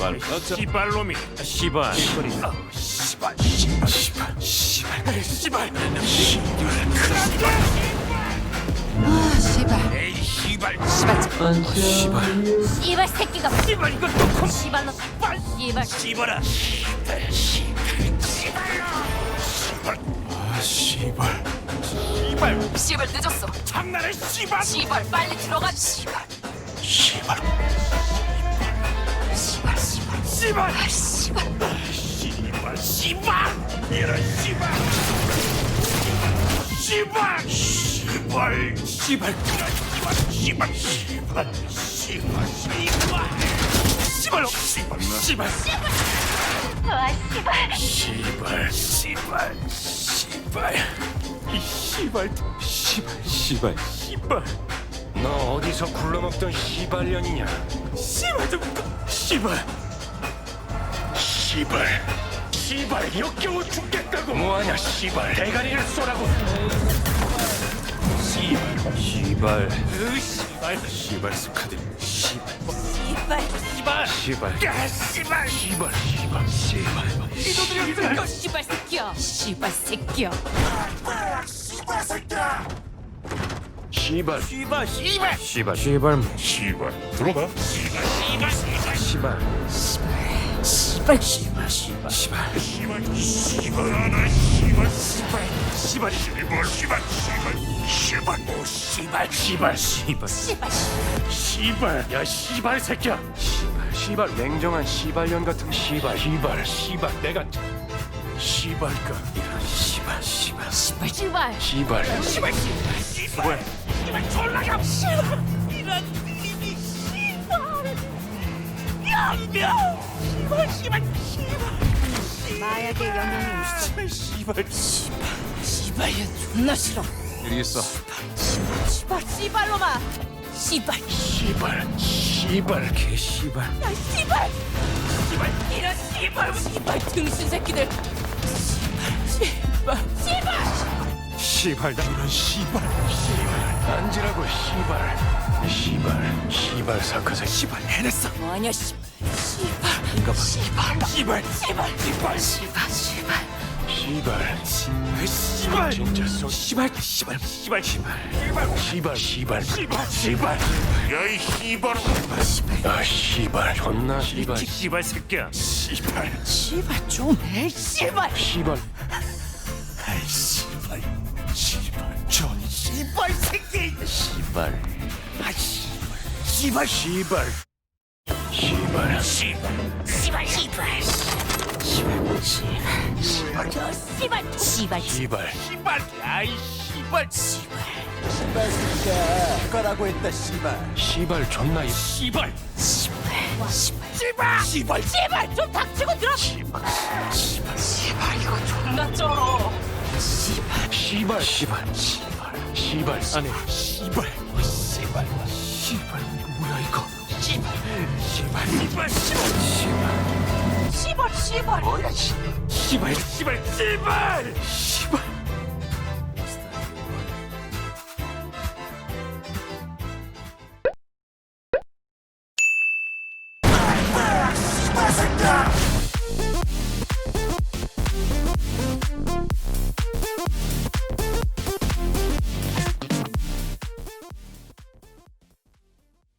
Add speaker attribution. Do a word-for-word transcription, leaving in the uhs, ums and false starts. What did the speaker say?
Speaker 1: 씨발.
Speaker 2: 씨발놈이.
Speaker 1: 씨발.
Speaker 2: 씨발. 씨발. 씨발. 씨발. 씨발.
Speaker 3: 아, 씨발.
Speaker 2: 에이 씨발.
Speaker 3: 씨발.
Speaker 1: 씨발.
Speaker 4: 씨발 새끼가
Speaker 2: 씨발 이거 또 컴.
Speaker 4: 씨발로 씨발
Speaker 2: 씨발아. 씨발. 씨발. 씨발. 아 씨발. 씨발.
Speaker 3: 씨발 늦었어.
Speaker 2: 장난해 씨발.
Speaker 3: 씨발 빨리 들어가. 씨발.
Speaker 2: 씨발.
Speaker 3: 씨발 씨발.
Speaker 2: 씨발.
Speaker 3: 아, 씨발.
Speaker 2: 씨발. 씨발. 이런 씨발. 씨발. 씨발. 씨발. 씨발. 씨발. 씨발. 씨발. 씨발. 씨발. 씨발. 씨발.
Speaker 4: 아 씨발
Speaker 2: 씨발. 씨발. 씨발. 이 씨발. 씨발. 씨발. 씨발.
Speaker 1: 너 어디서 굴러먹던 씨발년이냐?
Speaker 2: 씨발 좀 씨발. 씨발. 씨발 역겨워 죽겠다고.
Speaker 1: 뭐하냐 씨발.
Speaker 2: 대가리를 쏘라고. 씨발.
Speaker 1: 씨발.
Speaker 2: 으 씨발. 씨발 스카드. 씨발.
Speaker 4: 씨발
Speaker 2: 씨발.
Speaker 1: 씨발.
Speaker 2: 야 씨발. 씨발. 씨발. 씨발. 이놈들이 여기서
Speaker 4: 너 씨발 새끼야 씨발 새끼야
Speaker 2: 씨발 새끼야.
Speaker 1: 씨발.
Speaker 2: 씨발. 씨발.
Speaker 1: 씨발. 씨발.
Speaker 2: 씨발. 들어가. 씨발. 씨발. 씨발.
Speaker 1: 씨발.
Speaker 4: 씨발 씨발 씨발
Speaker 2: 씨발. 씨발. 씨발. 하나 씨발. 씨발. 씨발. 씨발. 씨발. 씨발. 씨발. 오 씨발. 씨발. 씨발.
Speaker 4: 씨발
Speaker 2: 씨발. 야 씨발 새끼야.
Speaker 1: 씨발. 씨발. 냉정한 씨발년 같은 씨발.
Speaker 2: 씨발. 씨발. 내가 씨발까. 이런 씨발. 씨발.
Speaker 4: 씨발 씨발
Speaker 1: 씨발.
Speaker 2: 씨발. 씨발. 씨발. 졸라가. 씨발. 이런 이미 씨발. 양명. 씨발. 씨발. 씨발.
Speaker 4: 마약의 영향이
Speaker 2: 씨발. 씨발. 씨발.
Speaker 4: 씨발 얘 존나 싫어
Speaker 1: 일이 있어.
Speaker 4: 씨발 씨발로마 씨발
Speaker 2: 씨발. 씨발. 개 씨발.
Speaker 4: 야 씨발
Speaker 2: 씨발.
Speaker 4: 이런 씨발 씨발 등신 새끼들 씨발 씨발
Speaker 2: 씨발. 나 이런 씨발.
Speaker 1: 앉으라고 씨발. 씨발. 씨발 사카사.
Speaker 2: 씨발. 해냈어.
Speaker 4: 뭐하냐 씨발 씨발
Speaker 2: 인가 봐. 씨발. 씨발.
Speaker 4: 씨발
Speaker 2: 씨발.
Speaker 4: 씨발 씨발
Speaker 1: 씨발.
Speaker 2: 씨발.
Speaker 1: 진짜 쏘.
Speaker 2: 씨발. 씨발. 씨발. 씨발. 씨발. 씨발. 씨발. 씨발. 야이 씨발.
Speaker 1: 아 씨발. 존나 씨발.
Speaker 2: 씨발 새끼야. 씨발.
Speaker 4: 씨발 좀해 씨발
Speaker 1: 씨발.
Speaker 2: 아이 씨발. 씨발. 전 씨발 새끼.
Speaker 1: 씨발.
Speaker 2: 아 씨발. 씨발. 씨발.
Speaker 1: 씨발.
Speaker 2: 씨발.
Speaker 4: 씨발 씨발 씨발 씨발 저 씨발 씨발
Speaker 1: 씨발.
Speaker 2: 씨발. 아이 씨발.
Speaker 4: 씨발
Speaker 5: 씨발 새끼야 꺼라고 했다 씨발.
Speaker 1: 씨발 존나 이
Speaker 2: 씨발.
Speaker 4: 씨발 씨발
Speaker 2: 씨발. 씨발.
Speaker 4: 씨발 좀 닥치고 들어
Speaker 2: 씨발. 씨발.
Speaker 4: 씨발 이거 존나 쩔어 씨발
Speaker 1: 씨발. 씨발. 씨발. 씨발.
Speaker 2: 아니 씨발. 씨발. 씨발. 뭐야 이거. 씨발. 씨발. 씨발. 씨발.
Speaker 4: 씨발 씨발
Speaker 2: 뭐야 씨발. 씨발. 씨발. 씨발.